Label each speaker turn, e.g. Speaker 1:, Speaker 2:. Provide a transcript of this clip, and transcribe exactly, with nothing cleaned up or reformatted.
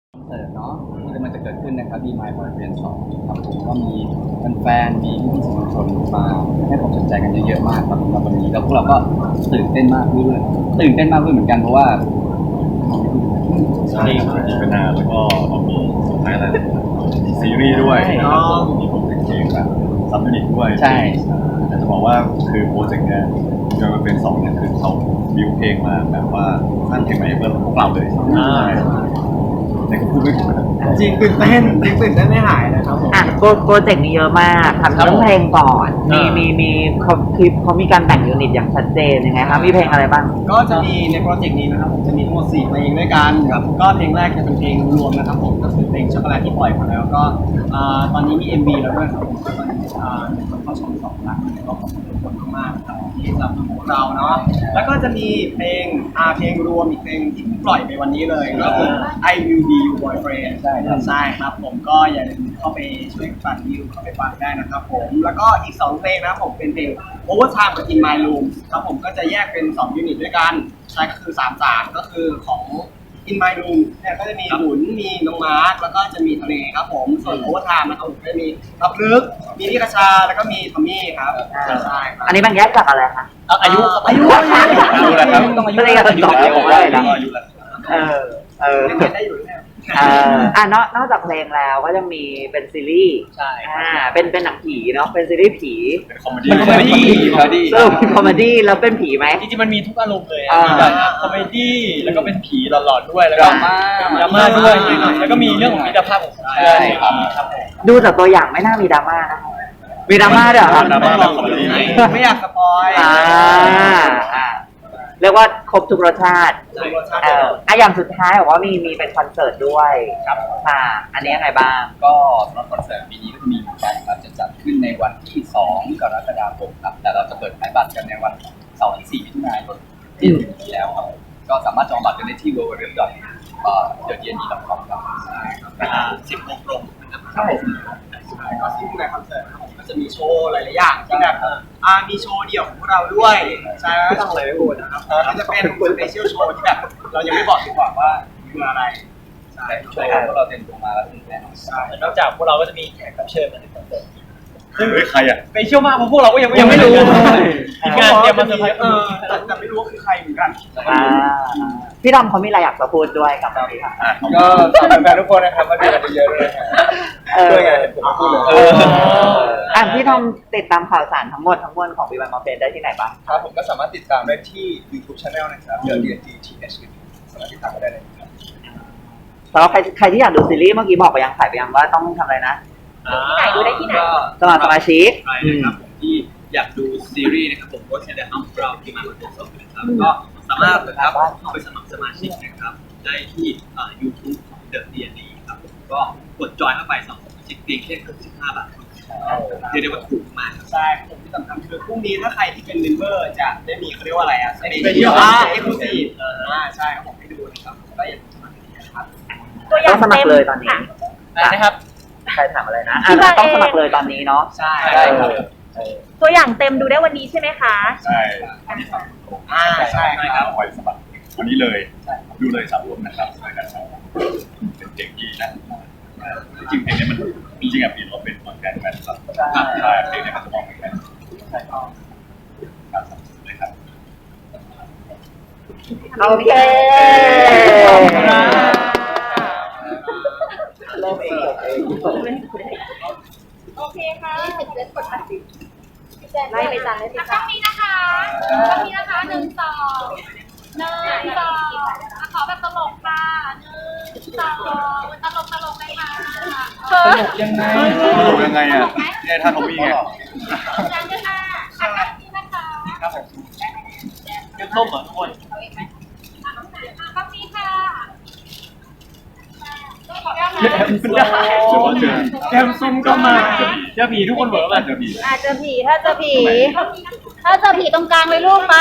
Speaker 1: คอนเสิร์ตเนาะที่กำลังจะเกิดขึ้นนะครับ Be My Boyfriend สองครับผมก็มีแฟนๆมีพี่ๆสื่อมวลชนมาให้ความสนใจกันเยอะๆมากครับสำหรับวันนี้แล้วพวกเราก็ตื่นเต้นมากด้วยตื่นเต้นมากด้วยเหมือนกันเพราะว่า
Speaker 2: ใช่ครับมีเป็นนานแล้วก็มีสุดท้ายอะไรมีซีรีส์ด้วยนะครับผมมีโปรเจกต์เพลงแบบซับยูนิตด้วย
Speaker 1: ใช่
Speaker 2: แต่จะบอกว่าคือโปรเจกต์เนี้ยจะมาเป็นสองเนี่ยคือเขาบิวเพลงมาแบบว่าสร้างเพลงใหม่เพื่อพวกเราเลยในก็พูดไม่ถูกนะ
Speaker 3: จริงตื่นเต้นจริงตื่นเต้นไม่หายเลยครับผม
Speaker 4: อ่ะโปรเจกต์นี้เยอะมากทำเรื่องเพลงก่อนมีมีมีเขาคือเขามีการแบ่งยูนิตอย่างชัดเจนยังไงคะมีเพลงอะไรบ้าง
Speaker 3: ก็จะมีในโปรเจกต์นี้นะครับผมจะมีทั้งหมดสี่เพลงด้วยกันครับก็เพลงแรกจะเป็นเพลงรวมนะครับผมก็คือเพลงช็อกโกแลตที่ปล่อยมาแล้วก็ตอนนี้มี เอ็ม วี แล้วด้วยครับผมก็ตอนนี้มีคนเข้าชมสองล้านก็ขอบคุณทุกคนมากๆครับที่สนับสนุนพวกเราเนาะแล้วก็จะมีเพลงอ่าเพลงรวมอีกเพลงที่ปล่อยไปวันนี้เลยก็คือ I Will Be Your Boyfriend ใช่ครับใช่ครับผมก็อย่าลืมเข้าไปช่วยฟังวิวเข้าไปฟังได้นะครับผมแล้วก็อีกสองเพลงนะครับผมเป็นเพลง Overtime กับ In My Room ครับผมก็จะแยกเป็นสองยูนิตด้วยกันใช่ก็คือสามสามก็คือของ In My Room เนี่ยก็จะมีหมุนมีน้องมาร์คแล้วก็จะมีทะเลครับผมส่วน Overtime นะครับผมก็จะมีรับลึกมีนิกชาแล้วก็มีทอมมี่ครับใช่ครับ
Speaker 4: อันนี้มันแยกจากอะไรคะ
Speaker 3: อายุอายุ
Speaker 2: อายุแล้วครับ
Speaker 4: ต้องอายุอะไรกันต่อ
Speaker 2: ผมว่าอายุแล้ว
Speaker 4: เออเออ
Speaker 3: เรียนได้อยู่แล้ว
Speaker 4: เอออ่ะนอกนอกจากเพลงแล้วก็จะมีเป็นซีรีส์
Speaker 3: ใช่
Speaker 4: อ่าเป็นเป็นหนังผีเนาะเป็นซีรีส์ผี
Speaker 2: เป็นคอมเมดี้
Speaker 1: คอมเมดี้คอมเมดี้
Speaker 4: เออคอมเมดี้แล้วเป็นผีไหม
Speaker 3: จริงๆมันมีทุกอารมณ์เลยมีแบบคอมเมดี้แล้วก็เป็นผีหลอนๆด้วยแล้วก็
Speaker 1: ดราม่า
Speaker 3: ดราม่าด้วยแล้วก็มีเรื่องของมิตรภาพของคนไทยครับ
Speaker 4: ดูจากตัวอย่างไม่น่ามีดราม่านะมีดราม่าด้วยเหรอครับ
Speaker 2: ดราม่าแบบคอมเมดี้
Speaker 3: ไม่อยากสปอย
Speaker 4: อ่าอ่าเรียกว่าครบทุกรสชาติเอออ่ะอย่างสุดท้ายบอกว่ามีมีเป็นคอนเสิร์ตด้วยครับค่ะอันนี้ยังไงบ้าง
Speaker 1: ก็สำหรับคอนเสิร์ตปีนี้ก็จะมีเหมือนกันครับจะจัดขึ้นในวันที่สองกรกฎาคมครับแต่เราจะเปิดขายบัตรกันในวันเสาร์ที่สี่มิถุนายนที่จะถึงนี้แล้วครับก็สามารถจองบัตรกันได้ที่ ดับเบิลยู ดับเบิลยู ดับเบิลยู ดอท เดอะ ดี เอ็น อี ดอท คอม ครับเวลาสิบโมงตรง
Speaker 3: ครับผมก็ซึ่งในคอนเสิร์ตครับผมก็จะมีโชว์หลายๆอย่างที่แบบอ่ามีโชว์เดี่ยวของพวกเราด้วยใช่ไม่ต้องเลยไม่พูดนะครับก็จะเป็นสเปเชียลโชว์ที่แบบเรายังไม่บอกดีกว่าว่าคืออะไร
Speaker 1: ใช่โชว์พวกเราเต็มตัวมาแล้วแน่นอน
Speaker 3: ใช่นอกจากพวกเราก็จะมีแขกรับเชิญมาในคอนเสิร์ต
Speaker 2: ซึ่งใครอ่ะ
Speaker 3: สเปเชียลมากเพราะพวกเราก็ยังไม่รู้อีกงานเตรียมมาเซอร์ไพรส์เออแต่ไม่รู้ว่าคือใครเหมือนกัน
Speaker 4: พี่ดอมเขามีอะไรอยากจะพูดด้วยกับเราค่ะ
Speaker 1: ก็ฝากแฟนๆทุกคนนะครับมาดูกันเยอะๆด้วยด้วยไงผมพูดเลย
Speaker 4: อ่ะพี่ทอมติดตามข่าวสารทั้งหมดทั้งมวลของวีวันมอเฟนได้ที่ไหนบ้าง
Speaker 1: ครับผมก็สามารถติดตามได้ที่ YouTube Channel นะครับ The ดี เอ็น จี ที เอช สามารถติดตามได้เลยครับ
Speaker 4: สำหรับใครใครที่อยากดูซีรีส์เมื่อกี้บอกไปยังขายไปยังว่าต้องทำอะไรนะ
Speaker 5: ที่ไหนดูได้ที่ไหน
Speaker 4: สมัครสมาชิก
Speaker 1: ใช่นะครับผมที่อยากดูซีรีส์นะครับผมก็จะได้อัพเราที่มาเป็นสดนะครับก็สามารถนะครับเข้าไปสมัครสมาชิกนะครับได้ที่ YouTube ของ The ดี เอ็น จี ครับผมก็กดจอยเข้าไปสองสมาชิกเพียงแค่สิบห้าบาทเรียกได้ว่าถูกมาก
Speaker 3: ใช่ผมที่สำคัญคือพรุ่งนี้ถ้าใครที่เป็นเมมเบอร์จะได้มีเขาเรียกว่าอะไรอ่ะสเปเชียลอ่าเอ็กซ์คลูซีฟอ่าใช่ครับผมให้ดูนะครับก็อย่าลืมสมัครนะครับ
Speaker 4: ต้องสมัครเลยตอนนี้
Speaker 3: นะครับ
Speaker 4: ใครถามอะไรนะต้องสมัครเลยตอนนี้เนาะ
Speaker 3: ใช่ครับ
Speaker 5: ตัวอย่างเต็มดูได้วันนี้ใช่ไหมคะ
Speaker 2: ใช่
Speaker 3: อ่าใช่ครับ
Speaker 2: คอยสมัครวันนี้เลยดูเลยสามรวมนะครับเป็นเด็กที่นะจริงเพลงนี้มันจริงๆอ่ะปีเราเป็นคนแกนแมนครับใช่เพลงนี้มันจะมองเหมือนกันใช่ครับครับเลยครับ
Speaker 4: โอเค
Speaker 5: เริ่มเองโอเคค่ะไล่ไปจันเลยสิค่ะต้องนี้นะคะต้องนี้นะคะหนึ่งสองหนึ่งสองขอแบบตลกค่ะหนึ่งสองตลกตลกเลยค่ะ
Speaker 1: ตลกยังไง
Speaker 2: ตลกยังไงอ่ะเนี่ยถ้าเขามีไง
Speaker 5: ยังจะค่ะอันนี้นะคะ
Speaker 3: ครับผมเก็บส้มเหรอทุกคน
Speaker 5: ต้องนี้ค่ะ
Speaker 3: แกมซุ่มก็มาเจอผีทุกคนเหรอ
Speaker 2: เจอผี
Speaker 5: อาจจะผีถ้าเจอผีถ้าเจอผีตรงกลางเลยลูกไป